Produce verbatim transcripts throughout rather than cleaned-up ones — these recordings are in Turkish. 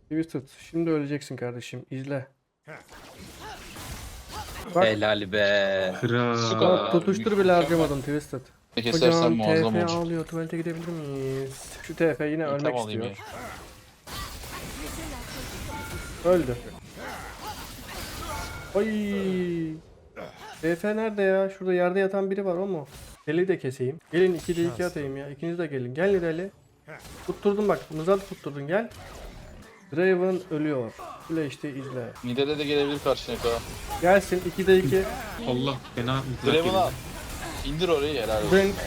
Twisted. Şimdi öleceksin kardeşim. İzle. Bak. Helal be. Kral. Bak tutuştur bile harcamadın Twisted. Kesersen Hocam muazzam T F olur. ağlıyor. Tuvalete gidebilir miyiz? Şu T F yine İlkem ölmek alayım istiyor. ya. Öldü. Ay. T F nerede ya? Şurada yerde yatan biri var, o mu? Deli de keseyim. Gelin iki de iki atayım ya. İkiniz de gelin. Gel Nidali. Tutturdum bak. Mızat tutturdun, gel. Draven ölüyor. Şöyle işte izle. Nidale de gelebilir karşına kadar. Gelsin iki de iki. Allah fena mızrak Draven yedi. al. İndir orayı, helal olsun. Drink.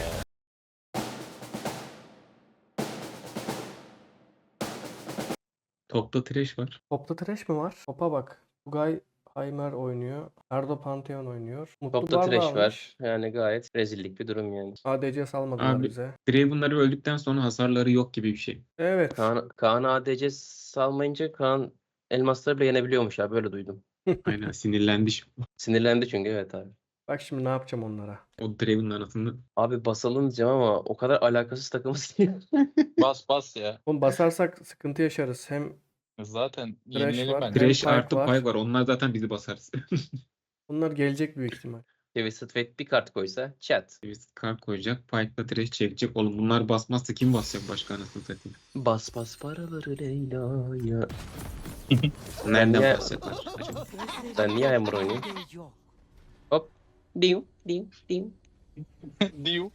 Topta trash var. Topta trash mi var? Topa bak. Tugay Heimer oynuyor. Erdo Pantheon oynuyor. Mutlu Topta Barba trash almış. var. Yani gayet rezillik bir durum yani. A D C salmadılar Abi. bize. Draven'ları öldükten sonra hasarları yok gibi bir şey. Evet. Kaan, Kaan A D C salmayınca Kaan elmasları bile yenebiliyormuş ya, böyle duydum. Aynen sinirlendi şimdi. Sinirlendi çünkü, evet abi. Bak şimdi ne yapacağım onlara. O Draven'ın arasında. Abi basalım diyeceğim ama o kadar alakasız takımız ki. Bas bas ya. Oğlum basarsak sıkıntı yaşarız. Hem Zaten Thresh yenilelim var. bence. Hem Trash Pike artı var. Pike var. Onlar zaten bizi basarız. bunlar gelecek büyük ihtimal. Twisted Fate bir kart koysa chat. Biz kart koyacak. Pike'la trash çekecek. Oğlum bunlar basmazsa kim basacak başka anasını satayım? Bas bas paraları Leyla'ya. Nereden niye- basacaklar acaba? Ben niye Hammer oynayayım? Hop. Dim dim dim. Diyu.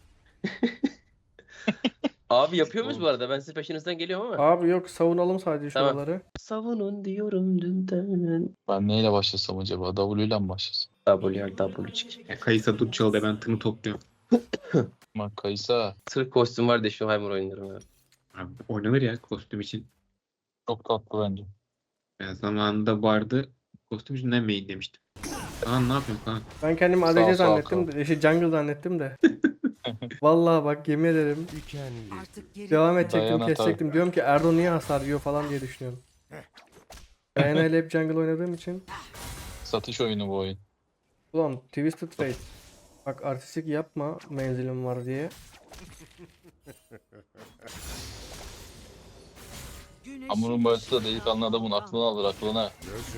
Abi yapıyor muyuz bu arada? Ben sizin peşinizden geliyorum ama. Abi yok, savunalım sadece Tamam. şuraları. Savunun diyorum dünden. Ben neyle başlasam acaba? W ile mi başlasam? W R W çık. Ya Kayısa dur çaldı, ben tını topluyorum. Bak Kaysa Sırf kostüm var diye şu Hammer oynarım ya. Abi oynanır ya kostüm için. çok tatlı bence. Ben zamanında bardı kostüm için ne main demiştim. Kaan ne yapıyorsun Kaan? Ben kendimi Sağ A D C ol, sağ ol, zannettim. de- Şey, jungle zannettim de. Vallahi bak, yemin ederim. Devam edecektim, Dayana kesecektim. Diyorum ki Erdo niye hasar yiyor falan diye düşünüyorum. Diana ile hep jungle oynadığım için. Satış oyunu bu oyun. Ulan Twisted Fate. Bak artistik yapma menzilim var diye. Hamurun başı da delikanlı adamın aklını alır aklına.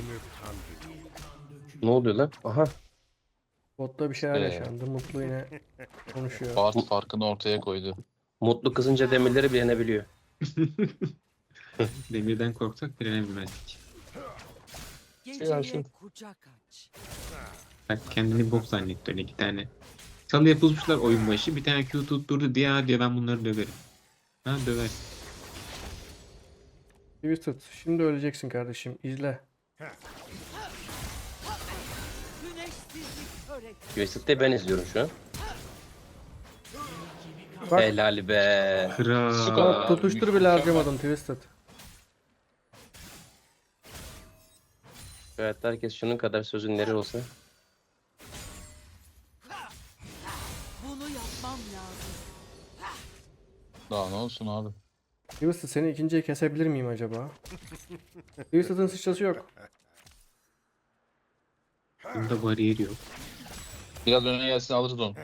Ne oluyor lan? Aha. Botta bir şeyler Ee. yaşandı. Mutlu yine konuşuyor. Bart farkını ortaya koydu. Mutlu kızınca demirleri bilenebiliyor. Demirden korksak direnebilmezdik. Ya şimdi- kucak aç. Bak kendini bok zannetti öyle iki tane. Çalı yapılmışlar oyun başı. Bir tane Q tutturdu diye "Aa," diyor, ben bunları döverim. Ha döver. Twisted. Şimdi öleceksin kardeşim. İzle. Güneşsizlik körek. Twisted'de ben izliyorum şu an. Bak. Helal be. Kral. Bak tutuştur bile harcamadın Twisted. Evet, herkes şunun kadar sözün neri olsa. Bunu yapmam lazım. Daha ne olsun abi. Twisted, seni ikinciye kesebilir miyim acaba? Twisted'ın sıçrası yok. Bunda bariyer yok. Biraz öne gelsin alırız onu.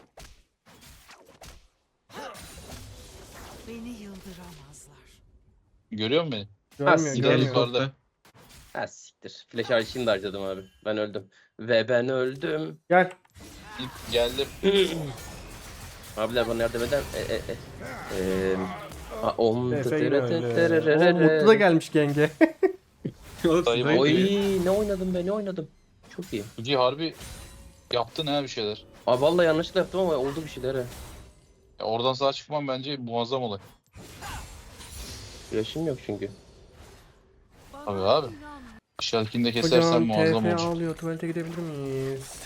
Beni yıldıramazlar. Görüyor musun beni? Görmüyor, siktir. görmüyor. Geldik orada. Ha siktir. Flash harcını da harcadım abi. Ben öldüm. Ve ben öldüm. Gel. İlk geldim. Abiler bana yardım eder. E, e, e. Eee, a, om, Efe tıtırı yine tıtırı öyle. rırırı. Oo, Mutlu da gelmiş genge. Oğlum, Dayı siz boy- oyun- Oy, ne oynadım be, ne oynadım. Çok iyi. Ugi harbi yaptın ha bir şeyler. Abi vallahi yanlışlıkla yaptım ama oldu bir şeyler ha. Ya oradan sağ çıkmam bence muazzam olay. Yaşım yok çünkü. Abi abi. İnan. Şarkını da kesersen Hocam muazzam T F olur. ağlıyor. Tuvalete gidebilir miyiz?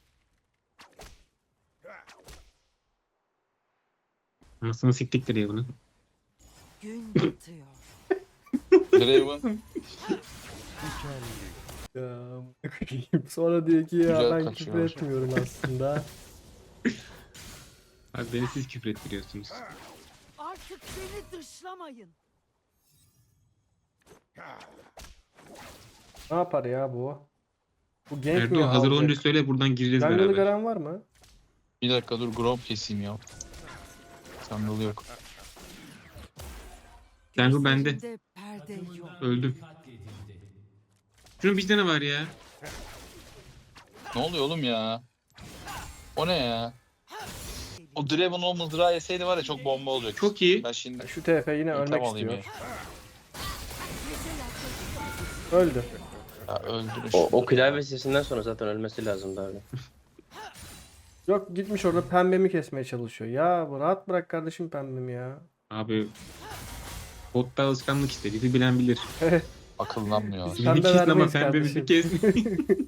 Anasını siktikleri ya bunu. Gün batıyor. Draven Ya, sonra diyor ki ya Güzel ben kaçıyor. küfür etmiyorum aslında. Abi beni siz küfür ettiriyorsunuz. Artık beni dışlamayın. Ne yapar ya bu? Bu genç mi Erdo hazır alacak? olunca söyle, buradan gireceğiz Jungle'ı beraber. gören var mı? bir dakika dur Grom keseyim ya. Jungle yok. Jungle bende. Gözlerinde perde yok. Öldüm. Şunun bir tane var ya. Ne oluyor oğlum ya? O ne ya? O Draven o mızrağı yeseydi var ya çok bomba olacak. Çok iyi. Ben şimdi Şu T F yine İntikam ölmek alayım istiyor. Öldü. ya öldürün O, şunu. o klavye sesinden sonra zaten ölmesi lazımdı abi. Yok gitmiş orada pembemi kesmeye çalışıyor. Ya bu rahat bırak kardeşim pembemi ya. Abi botta alışkanlık işte. Bizi bilen bilir. Akıllanmıyor. Pembe Beni kesin ama vermeyiz pembemizi kardeşim. kes.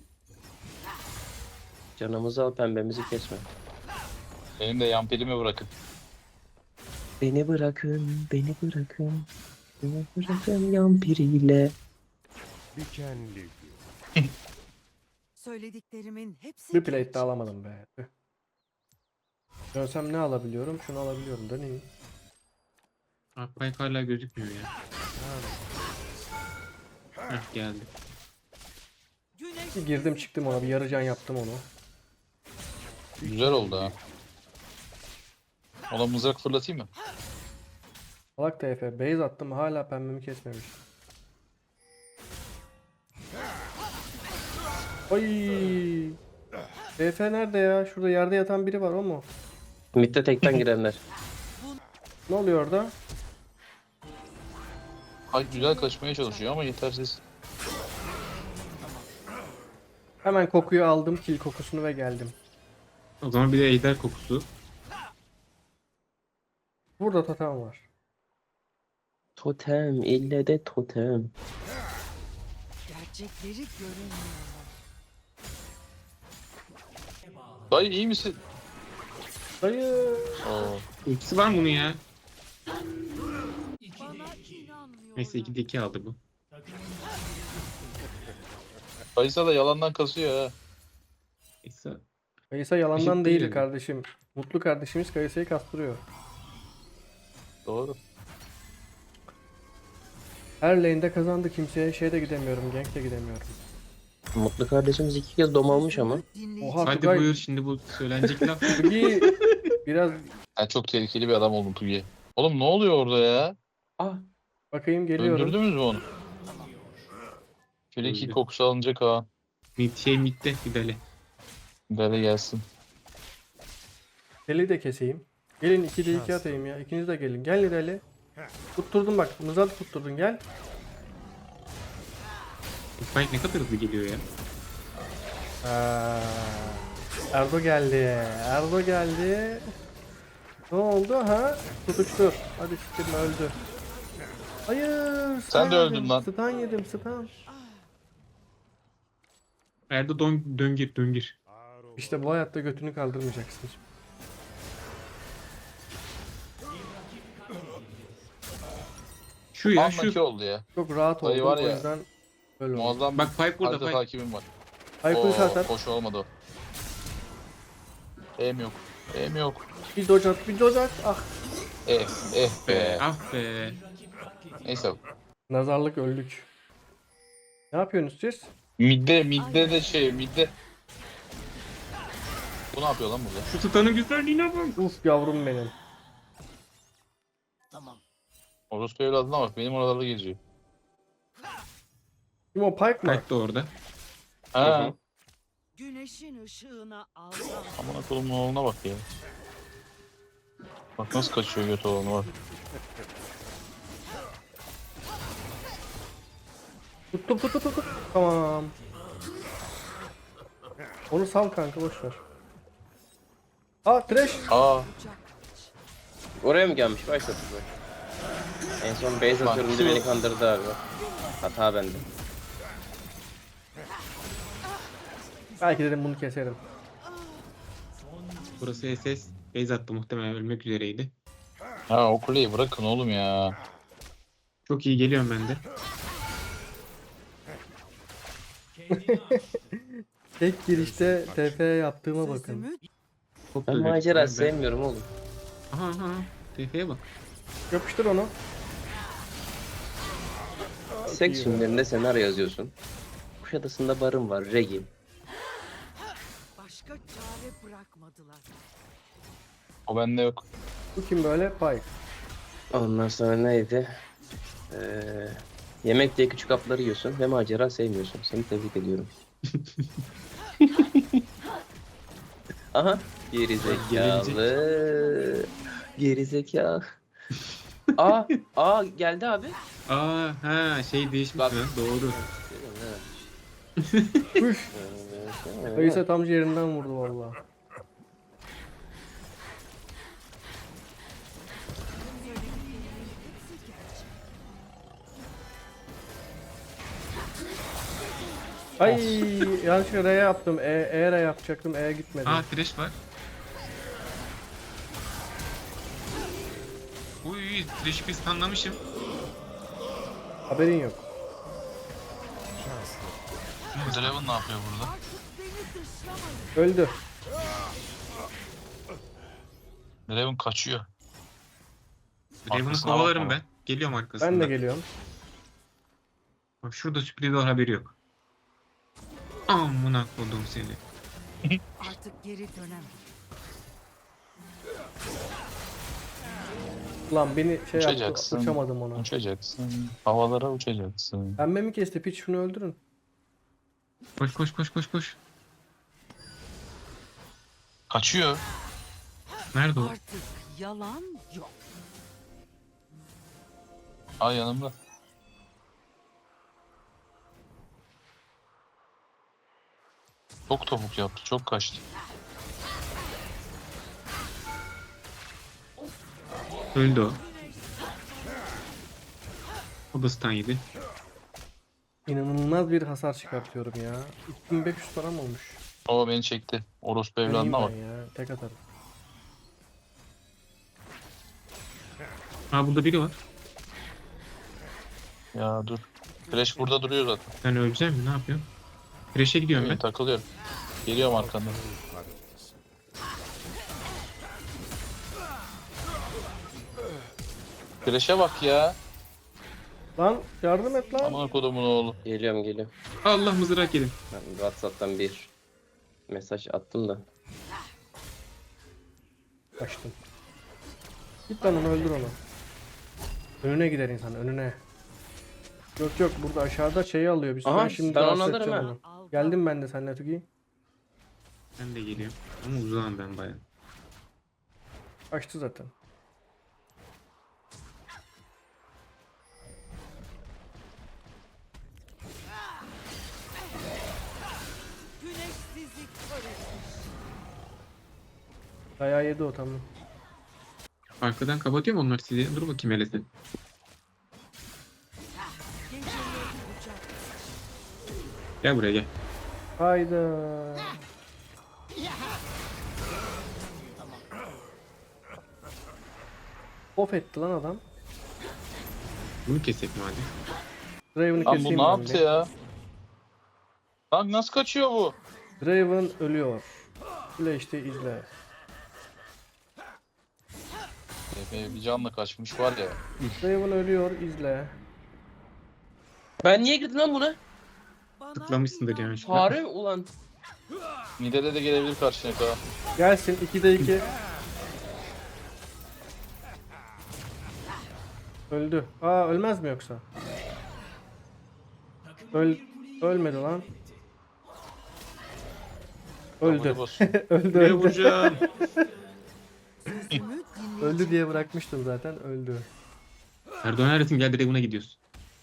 Canımızı al, pembemizi kesme. Benim de yampirimi bırakın. Beni bırakın, beni bırakın. Beni bırakın yampiriyle. Dikenli Söylediklerimin hepsi Bir plate de gerçek. alamadım be. Tüh. Dönsem ne alabiliyorum? Şunu alabiliyorum. Döneyim. Akbayk hala gözükmüyor ya. Heh, geldi. Güneş Bir girdim çıktım ona. Bir yarı can yaptım onu. Güzel oldu ha. Ona mızrak fırlatayım mı? Salak T F. Base attım. Hala pembemi kesmemiş. Ay. T F nerede ya? Şurada yerde yatan biri var o mu? Mid'de tekten girenler. Ne oluyor orada? Ay güzel kaçmaya çalışıyor ama yetersiz. Hemen kokuyu aldım. Kill kokusunu ve geldim. O zaman bir de ejder kokusu. Burada totem var. Totem, ille de totem. gerçekleri göremiyorlar. Dayı iyi misin? Dayı. Oo. Ultisi var mı bunun ya? Bana inanmıyorlar. Neyse ikide iki aldı bu. Kaysa da yalandan kasıyor ha. Neyse. Kayısa yalandan Eşit değil değil. kardeşim. Mutlu kardeşimiz Kayısa'yı kastırıyor. Doğru. Her lane'de kazandı. Kimseye şeyde gidemiyorum. Gank de gidemiyorum. Mutlu kardeşimiz iki kez dom almış ama. Dinleyici- Oha Hadi Tugay. buyur şimdi bu söylenecek laf. Bugi biraz Ben çok tehlikeli bir adam oldum Pugi. Oğlum ne oluyor orada ya? Ah, bakayım geliyorum. Öldürdünüz mü onu? Şöyle Öldü. kokusu alınacak ha. Mid şey midde Fidale. Böyle gelsin. Deli de keseyim. Gelin iki de iki atayım ya. İkiniz de gelin. Gel Nidali. Tutturdum bak. Mızat tutturdun gel. Akbayk ne kadar hızlı geliyor ya. Aa, Erdo geldi. Erdo geldi. Ne oldu ha? Tutuştur. Hadi siktirme öldü. Hayır. Sen de stun öldün yedim, lan. Stun yedim stun. Erdo don, döngir döngir. İşte bu hayatta götünü kaldırmayacaksın. Şu ya Anlaki şu. oldu ya. Çok rahat Dayı oldum var o ya. yüzden böyle oldu. Muazzam Bak Pipe burada harita Pipe. takibim var. Aykut Oo, zaten. hoş olmadı o. Em yok. Em yok. Bir dodge at, bir dodge at. Ah. Eh, eh be. Ah be. Neyse. Nazarlık öldük. Ne yapıyorsunuz siz? Midde, midde de şey, midde. Bu ne yapıyor lan burada? Şu tutanın güzelliğine bak. Uf yavrum benim. Orospu evladına bak, benim oralarda geziyor. Kim o Pike mı? Pipe de orada. Ha. Güneşin ışığına aldan. Aman akıllımın oğluna bak ya. Bak nasıl kaçıyor göt oğluna bak. Tuttum tuttum tuttum. Tamam. Onu sal kanka boş ver. Aa trash. Aa. oraya mı gelmiş? Başladı bak. En son base Bak, atıyorum şu- diye beni kandırdı abi. Hata bende. Belki dedim bunu keserim. Burası S S. Base attı muhtemelen ölmek üzereydi. Ha o kuleyi bırakın oğlum ya. Çok iyi geliyorum ben de. Tek girişte T F yaptığıma bakın. Sözümü Çok Ben güzel. macera Ben- sevmiyorum oğlum. Aha aha. T F'ye bak. Yapıştır onu. Seks filmlerinde senaryo yazıyorsun. Kuşadası'nda barım var, Regi. başka çare bırakmadılar. O bende yok. Bu kim böyle? Pike. Ondan sonra neydi? Ee, Yemek diye küçük hapları yiyorsun ve macera sevmiyorsun. Seni tebrik ediyorum. Aha. Geri zekalı. Geri zekalı. Aa, aa geldi abi. Aa ha şey değişmiş Bak. lan doğru. Üf. Kayısa tam yerinden vurdu valla. Ay yanlışlıkla R yaptım. E, E R yapacaktım. E gitmedi. Aa trash var. Uy trash'i biz anlamışım. Haberin yok. Draven ne yapıyor burada? Öldü. Draven kaçıyor. Draven'ı Arkasına kovalarım bakma. ben. Geliyorum arkasından. Ben de geliyorum. Bak şurada sürpriz var haberi yok. Amına kodum seni. Artık geri dönemem. Lan beni şey yaptı. Uçacaksın. Uçamadım ona. Uçacaksın. Havalara uçacaksın. Pembe mi kesti? Piç şunu öldürün. Koş koş koş koş koş. Kaçıyor. Nerede o? Artık yalan yok. Ay yanımda. Çok topuk yaptı. Çok kaçtı. Öldü o. O da stun yedi. İnanılmaz bir hasar çıkartıyorum ya. iki bin beş yüz param olmuş. O beni çekti. Orospu Öleyim evladına bak. ben ya. Tek atarım. Aa burada biri var. Ya dur. Flash burada duruyor zaten. Ben öleceğim mi? Ne yapıyorum? Trash'e gidiyorum Ben ben. takılıyorum. Geliyorum arkandan. Flash'e bak ya. Lan yardım et lan. Aman kodumun oğlu. Geliyorum geliyorum. Allah mızrak yedim. Ben WhatsApp'tan bir mesaj attım da. Kaçtım. Git lan onu öldür onu. Önüne gider insan önüne. Yok yok burada aşağıda şeyi alıyor. Biz Aha, ben şimdi ben onu rahatsız alırım edeceğim ha. onu. Al Geldim ben de seninle Tugi. Ben de geliyorum. Ama uzağım ben bayağı. Kaçtı zaten. güneş sizi kör etmiş. Dayağı yedi o tamam. Arkadan kapatıyor mu onlar sizi? Dur bakayım hele sen. Geceleri bucak. Gel buraya gel. Hayda. Of etti lan adam. Bunu kesek madem. Draven'ı Lan keseyim bu ne ben yaptı bir. ya? Lan nasıl kaçıyor bu? Draven ölüyor. Şöyle işte izle. Epey bir canla kaçmış var ya. Draven ölüyor izle. Ben niye girdim lan buna? Bana Tıklamışsındır inan. yanlışlıkla. Fare mi ulan? Midede de gelebilir karşına ka. Gelsin ikide iki. Öldü. Aa ölmez mi yoksa? Öl ölmedi lan. Öldü. Boss. öldü Buraya öldü. vuracağım. Sözümü dinleyecek. Öldü diye bırakmıştım zaten öldü. Erdoğan neredesin? Gel Draven'a gidiyoruz.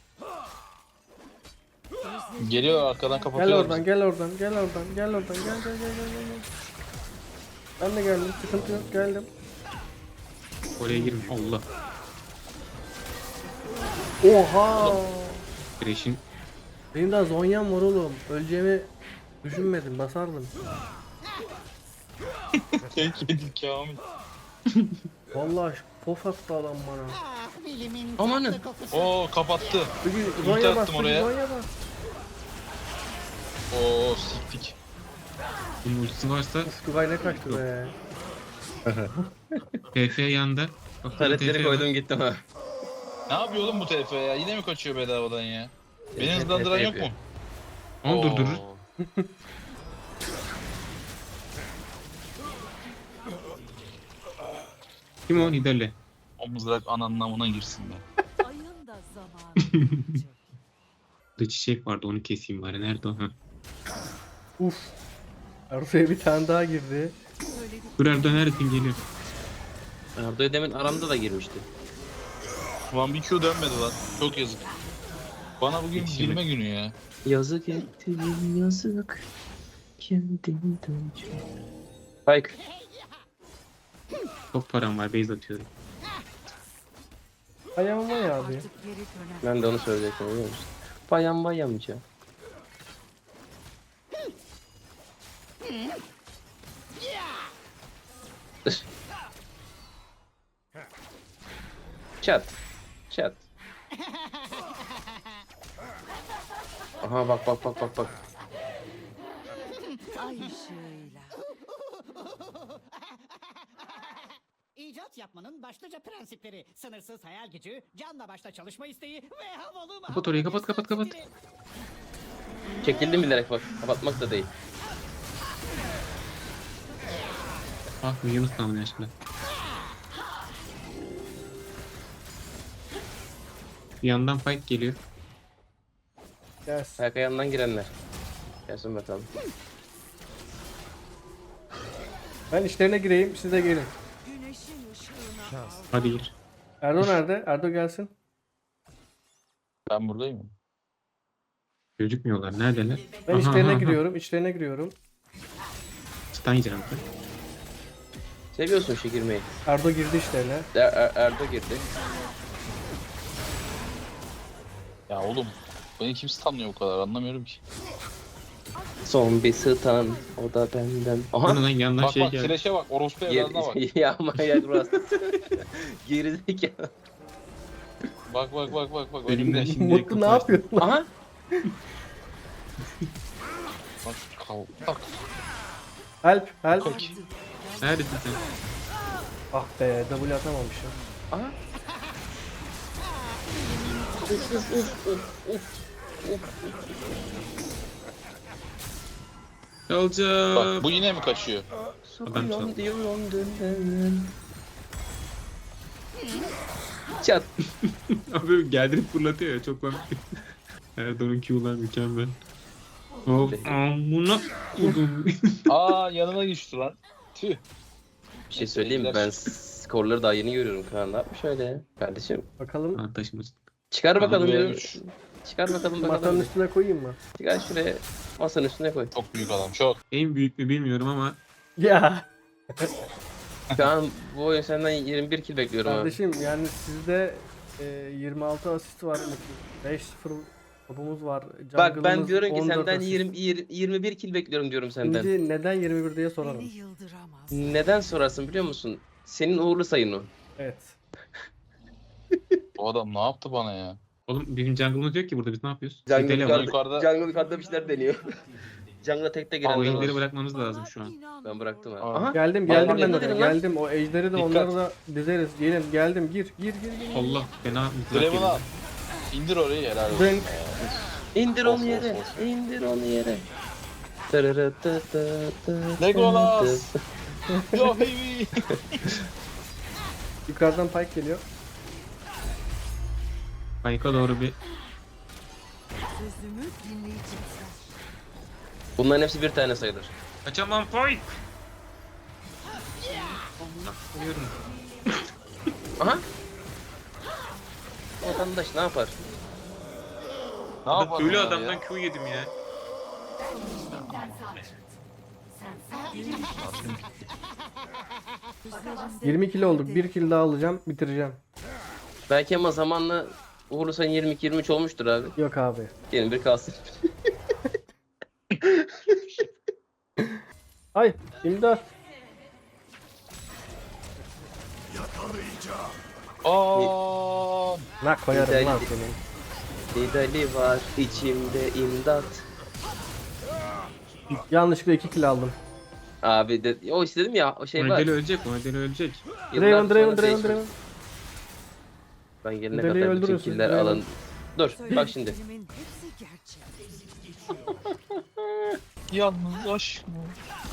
Geliyor arkadan Gel kapatıyor. oradan gel oradan gel oradan gel oradan gel gel gel gel gel. Ben de geldim sıkıntı yok geldim. Oraya girme. Allah. Oha! Trash'in Benim daha zonyam var oğlum. Öleceğimi düşünmedim basardım. Tek yedik Kamil. Vallahi pof attı adam bana. Amanın. Oo kapattı. Peki Ulti zonya bas, attım peki oraya. zonya bas. Oo siktik. bunun ultisi varsa Tugay ne kaçtı be. P F yanında. Bak burada T Taretleri F var. koydum gittim ha. Ne yapıyor oğlum bu T F ya? Yine mi kaçıyor bedavadan ya? Beni T F hızlandıran yok mu? yapıyor. Onu Oo. durdurur. Kim o? Nidalle. O mızrak ananın amına girsin be. Ayın da zamanı gelecek. Burada çiçek vardı onu keseyim bari. Nerede o? Ha. Uf. Arzu'ya bir tane daha girdi. Dur Erdoğan neredesin geliyor. Ardo'ya demin aramda da girmişti. Ulan bir Q dönmedi lan. Çok yazık. Bana bugün Yetişemek. girme günü ya. Yazık ettim yazık. Kendimden çok. Spike. Çok param var base atıyorum. Ayağıma ya abi. Artık geri dönemez. Ben de onu söyleyecektim biliyor musun? Bayan bayamca. Çat. Çat. Aha bak bak bak bak bak. Ay ışığıyla. İcat yapmanın başlıca prensipleri: sınırsız hayal gücü, canla başla çalışma isteği ve havalı Kapat orayı, kapat, kapat, kapat. stili. Çekildim bilerek bak. Kapatmak da değil. Ah Yunus tamam yaşlı. Bir yandan fight geliyor. Gelsin. Ayak ayağından girenler. Gelsin bakalım. Ben işlerine gireyim, siz de gelin. Güneşin ışığına al. Hadi gir. Erdo nerede? Erdo gelsin. Ben buradayım. Gözükmüyorlar. Neredeler? Ben Aha, işlerine aha, giriyorum, işlerine giriyorum. Stun yiyeceğim. Seviyorsun şu girmeyi. Erdo girdi işlerine. Er, er, Erdo girdi. Ya oğlum. Beni kim stunlıyor bu kadar anlamıyorum ki. Son bir stun. O da benden. Aha. Aha. Lan yandan Bak şey bak geldi. Thresh'e bak. Orospu evladına bak. Ger ya manyak burası. Gerizekalı. Bak bak bak bak bak. Elimden Önümde. şimdi Mutlu ne yapıyorsun lan? Aha. Bak kal. Bak. Help, help. Bak. Neredesin sen? Ah be, W atamamışım. Aha. Uf uf uf uf uf. Alacağım. Bak bu yine mi kaçıyor? Adam çaldı. Sokuyorum diyorum dönden. Çat. Abi geldirip fırlatıyor ya çok komik. Erdoğan'ın Q'lar mükemmel. Hop amına kodum. Aa yanıma geçti lan. Tüh. Bir şey söyleyeyim mi? Ben skorları daha yeni görüyorum Kaan. Ne yapmış öyle kardeşim? Bakalım, Ha taşımasın. Çıkar bakalım Abi, diyorum. üç. Çıkar bakalım masanın bakalım. üstüne koyayım mı? Çıkar şuraya. Masanın üstüne koy. Çok büyük adam çok. En büyük mü bilmiyorum ama Ya Kaan bu oyun senden yirmi bir kill bekliyorum abi. kardeşim, yani sizde e, yirmi altı asist var, beş sıfır topumuz var. Bak ben Jungle'ımız diyorum ki on dört senden asist. yirmi, yirmi, yirmi bir kill bekliyorum diyorum senden. Şimdi neden yirmi bir diye sorarım. Beni yıldıramaz. Neden sorarsın biliyor musun? Senin uğurlu sayın o. Evet. Bu adam ne yaptı bana ya? oğlum bizim jungle'ımız yok ki burada biz ne yapıyoruz? Jungle Sidele yukarıda, var. yukarıda- Jungle yukarıda bir şeyler deniyor. Jungle'a tekte O girenler ejderi var. bırakmamız lazım şu an. İnanmıyorum. Ben bıraktım abi. Aa. Aha. Geldim, Bak, geldim ben dikkat oraya. edin lan. Geldim. O ejderi de Dikkat. onları da dizeriz. Gelin, geldim. Gir, gir, gir, gir. Allah fena Draven al. İndir orayı helal olsun. Zınk. İndir Of, onu yere. of, of. İndir onu yere. Tırırı tı tı tı Legolas. tı. Yo baby. Yukarıdan Pike geliyor. Pike'a doğru bir Sözümü dinleyecekler. Bunların hepsi bir tane sayılır. kaçamam Pike. Allah koyuyorum. Aha. Vatandaş ne yapar? Ne yapar Ölü bunlar adamdan ya? Q yedim ya. Üzerinde yirmi kilo olduk. bir kill daha alacağım. Bitireceğim. Belki ama zamanla uğurlu sayın yirmi iki yirmi üç olmuştur abi. Yok abi. Gelin bir kalsın. Ay, imdat. Aa. Ne koyarım Güzel lan gitti. senin. Nidali var içimde imdat. Yanlışlıkla iki kill aldım. Abi de, o istedim ya o şey var. Modeli ölecek, modeli ölecek. Yıllar Draven, Draven, sonra Draven, değişmiş. Draven. Ben gelene Deliği kadar bütün öldürüyorsun, killer Draven. alın. Dur bak şimdi. söylediklerimin hepsi gerçek. Yalnız aşk mı?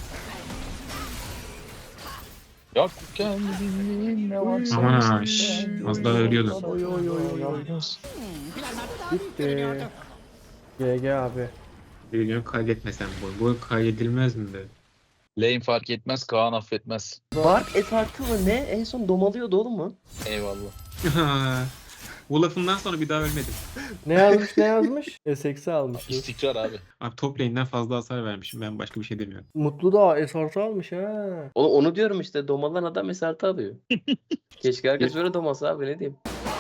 Yak kendini ne varsa. Aman şşş, az daha ölüyordu. Oy oy oy oy oy. Bitti. G G abi. Biliyorum kaydetmesen bu. Bu kaydedilmez mi de? Lane fark etmez, Kaan affetmez. Bark et artı mı ne? En son domalıyordu oğlum mu? Eyvallah. Bu lafından sonra bir daha ölmedim. Ne yazmış ne yazmış? S X'i almış. İstikrar abi. Abi top lane'den fazla hasar vermişim. Ben başka bir şey demiyorum. Mutlu da S artı almış ha. Onu, onu diyorum işte, domalan adam esartı alıyor. Keşke herkes öyle domalsa abi, ne diyeyim.